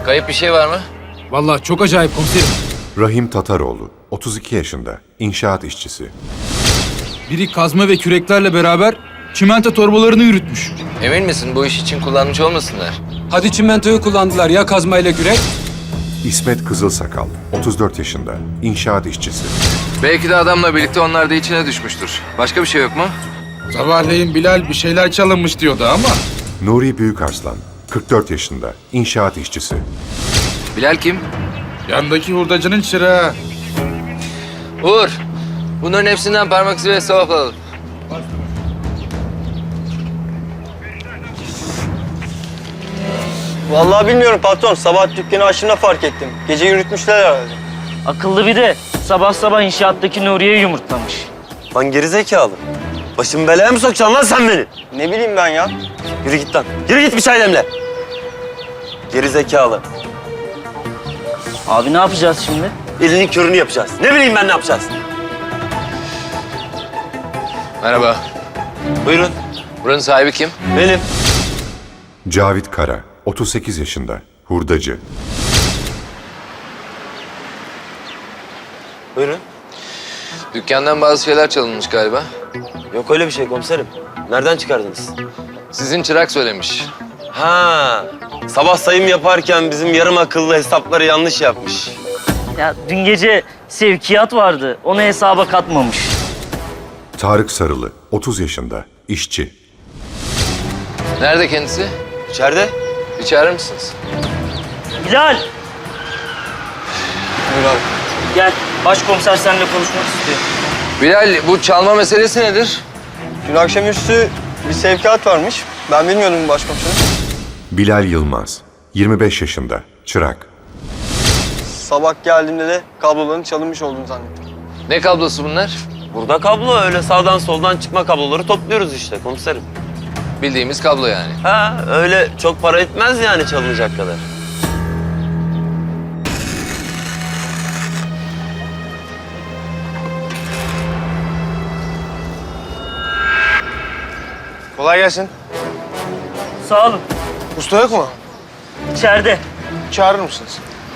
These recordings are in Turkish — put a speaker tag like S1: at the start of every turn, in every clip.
S1: Kayıp bir şey var mı?
S2: Vallahi çok acayip komiserim.
S3: Rahim Tataroğlu, 32 yaşında, inşaat işçisi.
S2: Biri kazma ve küreklerle beraber çimento torbalarını yürütmüş.
S1: Emin misin bu iş için kullanmış olmasınlar?
S4: Hadi çimentoyu kullandılar ya kazmayla kürek?
S3: İsmet Kızılsakal, 34 yaşında, inşaat işçisi.
S1: Belki de adamla birlikte onlar da içine düşmüştür. Başka bir şey yok mu?
S5: Sabahleyin Bilal bir şeyler çalınmış diyordu ama.
S3: Nuri Büyükarslan, 44 yaşında, inşaat işçisi.
S1: Bilal kim?
S5: Yandaki hurdacının çırağı.
S1: Uğur. Bunların hepsinden parmak izi ve sevap alalım.
S6: Vallahi bilmiyorum patron. Sabah dükkanı açtığımda fark ettim. Gece yürütmüşler herhalde.
S7: Akıllı bir de sabah sabah inşaattaki Nuriye'yi yumurtlamış.
S6: Lan gerizekalı. Başımı belaya mı sokacaksın lan sen beni? Ne bileyim ben ya. Yürü git lan. Yürü git bir çay demle. Gerizekalı.
S7: Abi ne yapacağız şimdi?
S6: Elinin körünü yapacağız. Ne bileyim ben ne yapacağız.
S1: Merhaba.
S6: Buyurun.
S1: Buranın sahibi kim?
S6: Benim.
S3: Cavit Kara, 38 yaşında, hurdacı.
S6: Buyurun.
S1: Dükkandan bazı şeyler çalınmış galiba.
S6: Yok öyle bir şey komiserim. Nereden çıkardınız?
S1: Sizin çırak söylemiş.
S6: Ha, sabah sayım yaparken bizim yarım akıllı hesapları yanlış yapmış.
S7: Ya dün gece sevkiyat vardı. Onu hesaba katmamış.
S3: Tarık Sarılı, 30 yaşında, işçi.
S1: Nerede kendisi?
S6: İçeride?
S1: Bir çağırır mısınız?
S7: Bilal
S6: Buyur abi.
S7: gel. Başkomiser seninle konuşmak istiyor.
S1: Bilal bu çalma meselesi nedir?
S6: Dün akşamüstü bir sevkiyat varmış. Ben bilmiyordum başkomiserim.
S3: Bilal Yılmaz, 25 yaşında, çırak.
S6: Sabah geldiğimde de kabloların çalınmış olduğunu zannettim.
S1: Ne kablosu bunlar?
S6: Burada kablo öyle sağdan soldan çıkma kabloları topluyoruz işte komiserim.
S1: Bildiğimiz kablo yani.
S6: Ha öyle çok para etmez yani çalınacak kadar.
S5: Kolay gelsin.
S7: Sağ olun.
S5: Usta yok mu?
S7: İçeride.
S5: Çağırır mısınız?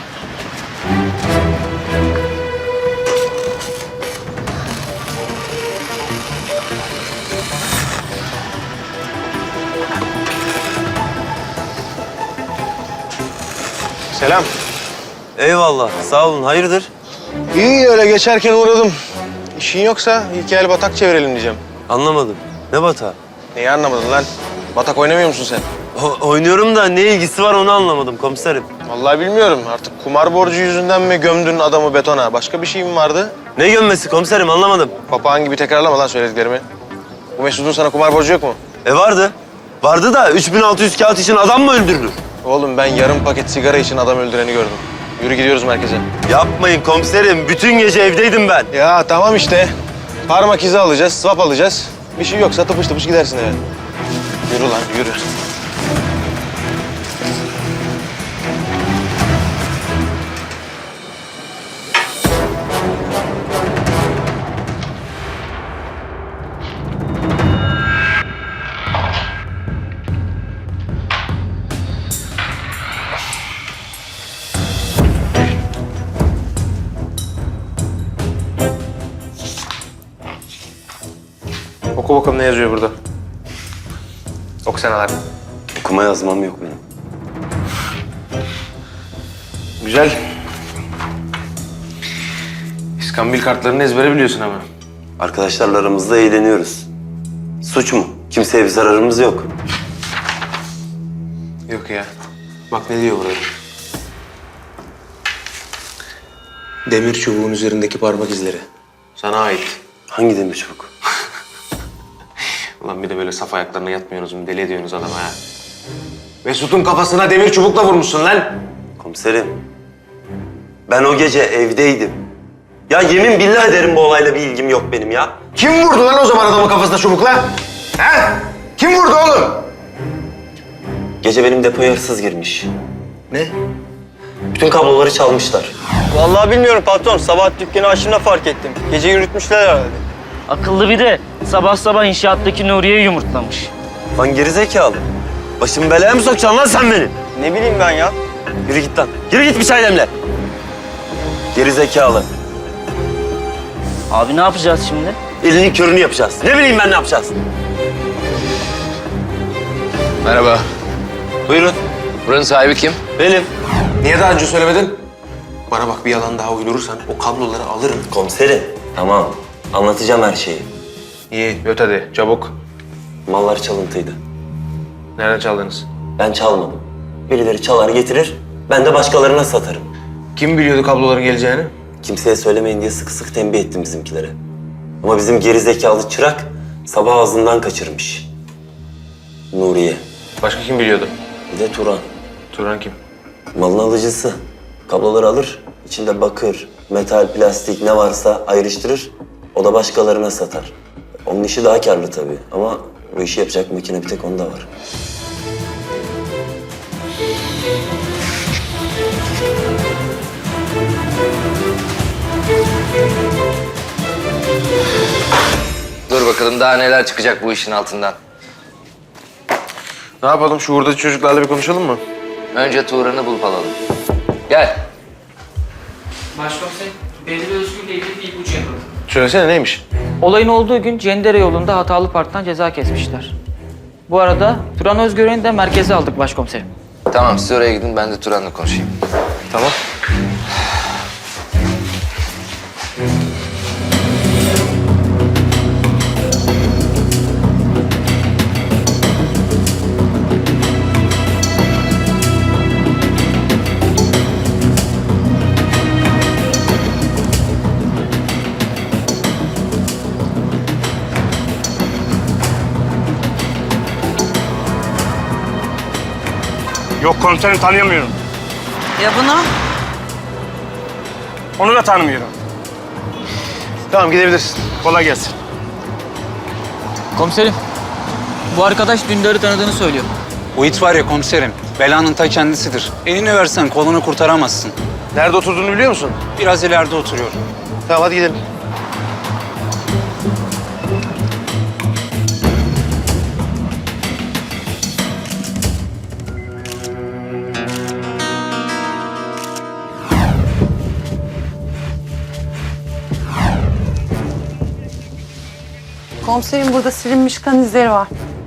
S5: Selam.
S6: Eyvallah sağ olun hayırdır?
S5: İyi öyle geçerken uğradım. İşin yoksa ilk el batak çevirelim diyeceğim.
S6: Anlamadım. Ne bata?
S5: Neyi anlamadın lan? Batak oynamıyor musun sen?
S6: Oynuyorum da ne ilgisi var onu anlamadım komiserim.
S5: Vallahi bilmiyorum. Artık kumar borcu yüzünden mi gömdün adamı betona? Başka bir şey mi vardı?
S6: Ne gömmesi komiserim anlamadım.
S5: Papağan gibi tekrarlama lan söylediklerimi. Bu Mesut'un sana kumar borcu yok mu?
S6: Vardı. Vardı da 3600 kağıt için adam mı öldürülür?
S5: Oğlum ben yarım paket sigara için adam öldüreni gördüm. Yürü gidiyoruz merkeze.
S6: Yapmayın komiserim. Bütün gece evdeydim ben.
S5: Ya tamam işte. Parmak izi alacağız, swap alacağız. Bir şey yoksa tıpış tıpış gidersin eve. Yürü lan yürü. Oku bakalım ne yazıyor burada. Oku sen Alar.
S6: Okuma yazmam yok benim.
S5: Güzel. İskambil kartlarını ezbere biliyorsun ama.
S6: Arkadaşlarla aramızda eğleniyoruz. Suç mu? Kimseye bir zararımız yok.
S5: Yok ya. Bak ne diyor burada. Demir çubuğun üzerindeki parmak izleri. Sana ait.
S6: Hangi demir çubuk?
S5: Ulan bir de böyle saf ayaklarına yatmıyorsunuz mu? Deli ediyorsunuz adama ha. Mesut'un kafasına demir çubukla vurmuşsun lan.
S6: Komiserim. Ben o gece evdeydim. Ya yemin billah ederim bu olayla bir ilgim yok benim ya.
S5: Kim vurdu lan o zaman adamın kafasına çubukla? He? Kim vurdu oğlum?
S6: Gece benim depoya hırsız girmiş. Ne? Bütün kabloları çalmışlar. Vallahi bilmiyorum patron. Sabah dükkanı açtığımda fark ettim. Gece yürütmüşler herhalde.
S7: Akıllı bir de sabah sabah inşaattaki Nuriye'yi yumurtlamış.
S6: Lan gerizekalı. Başımı belaya mı sokacaksın lan sen beni? Ne bileyim ben ya. Yürü git lan. Yürü git bir çay demle. Geri zekalı.
S7: Abi ne yapacağız şimdi?
S6: Elinin körünü yapacağız. Ne bileyim ben ne yapacağız.
S1: Merhaba.
S5: Buyurun.
S1: Buranın sahibi kim?
S6: Benim.
S5: Niye daha önce söylemedin? Bana bak bir yalan daha uydurursan o kabloları alırım.
S6: Komiserim. Tamam. Anlatacağım her şeyi.
S5: İyi, öt hadi çabuk.
S6: Mallar çalıntıydı.
S5: Nereden çaldınız?
S6: Ben çalmadım. Birileri çalar getirir, ben de başkalarına satarım.
S5: Kim biliyordu kabloların geleceğini?
S6: Kimseye söylemeyin diye sık sık tembih ettim bizimkilere. Ama bizim geri zekalı çırak sabah ağzından kaçırmış. Nuriye.
S5: Başka kim biliyordu?
S6: Bir de Turan.
S5: Turan kim?
S6: Malın alıcısı. Kabloları alır, içinde bakır, metal, plastik ne varsa ayrıştırır. O da başkalarına satar. Onun işi daha karlı tabii ama bu işi yapacak makine bir tek onda var.
S1: Dur bakalım daha neler çıkacak bu işin altından.
S5: Ne yapalım? Şu hurdacı çocuklarla bir konuşalım mı?
S1: Önce Turan'ı bulup alalım. Gel.
S8: Başkomiserim, Bedri Özgür'le ilgili bir ipucu yakaladım.
S5: Söylesene neymiş?
S8: Olayın olduğu gün Cendere yolunda hatalı parktan ceza kesmişler. Bu arada Turan Özgören'i de merkeze aldık başkomiserim.
S1: Tamam siz oraya gidin ben de Turan'la konuşayım.
S5: Tamam.
S9: Yok komiserim, tanıyamıyorum.
S10: Ya bunu?
S9: Onu da tanımıyorum.
S5: Tamam gidebilirsin.
S9: Kolay gelsin.
S8: Komiserim, bu arkadaş Dündar'ı tanıdığını söylüyor.
S4: O it var ya komiserim, belanın ta kendisidir. Elini versen kolunu kurtaramazsın.
S5: Nerede oturduğunu biliyor musun?
S4: Biraz ileride oturuyor.
S5: Tamam hadi gidelim.
S10: Komiserim burada silinmiş kan izleri var.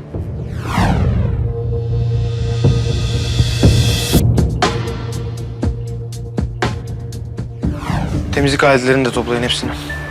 S5: Temizlik aletlerini de toplayın hepsini.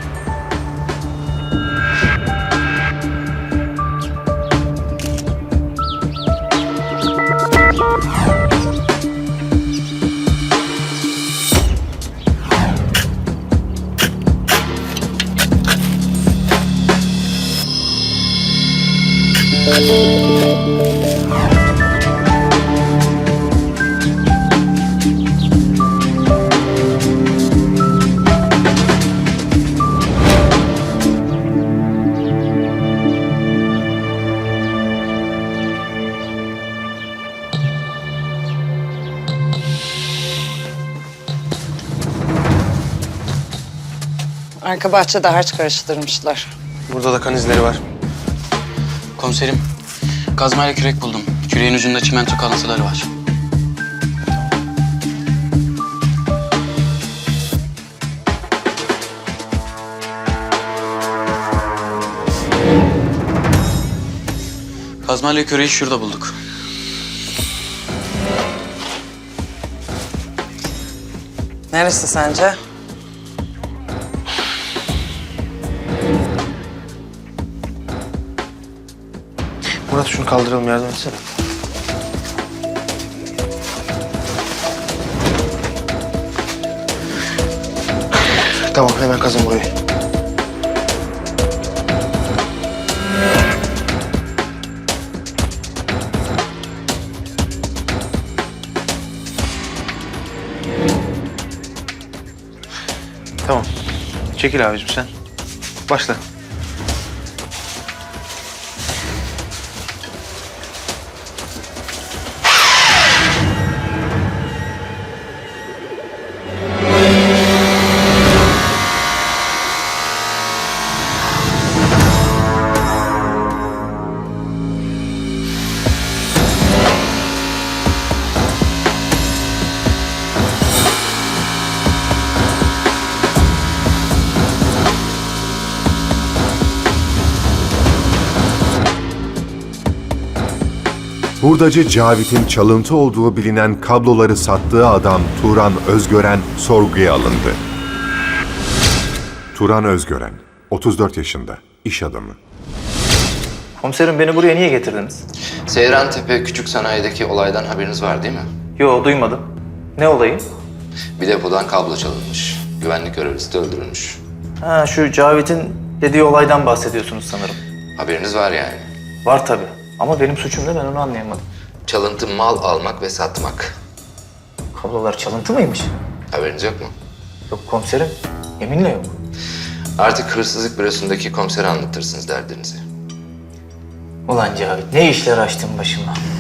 S10: Arka bahçede harç karıştırmışlar.
S5: Burada da kan izleri var.
S8: Komiserim, kazmayla kürek buldum. Küreğin ucunda çimento kalıntıları var. Kazmayla küreği şurada bulduk.
S10: Neresi sence?
S5: Murat şunu kaldıralım yardım etsene. Tamam hemen kazın burayı. Tamam. Çekil abicim sen. Başla.
S3: Hurdacı Cavit'in çalıntı olduğu bilinen kabloları sattığı adam Turan Özgören sorguya alındı. Turan Özgören, 34 yaşında, iş adamı.
S11: Komiserim beni buraya niye getirdiniz?
S1: Seyrantepe Küçük Sanayi'deki olaydan haberiniz var değil mi?
S11: Yo duymadım. Ne olayı?
S1: Bir depodan kablo çalınmış. Güvenlik görevlisi de öldürülmüş.
S11: Ha şu Cavit'in dediği olaydan bahsediyorsunuz sanırım.
S1: Haberiniz var yani.
S11: Var tabii. Ama benim suçum ne ben onu anlayamadım.
S1: Çalıntı mal almak ve satmak.
S11: Kablolar çalıntı mıymış?
S1: Haberiniz yok mu?
S11: Yok komiserim. Yeminle yok.
S1: Artık hırsızlık bürosundaki komisere anlatırsınız derdinizi.
S11: Ulan Cavit ne işler açtın başıma.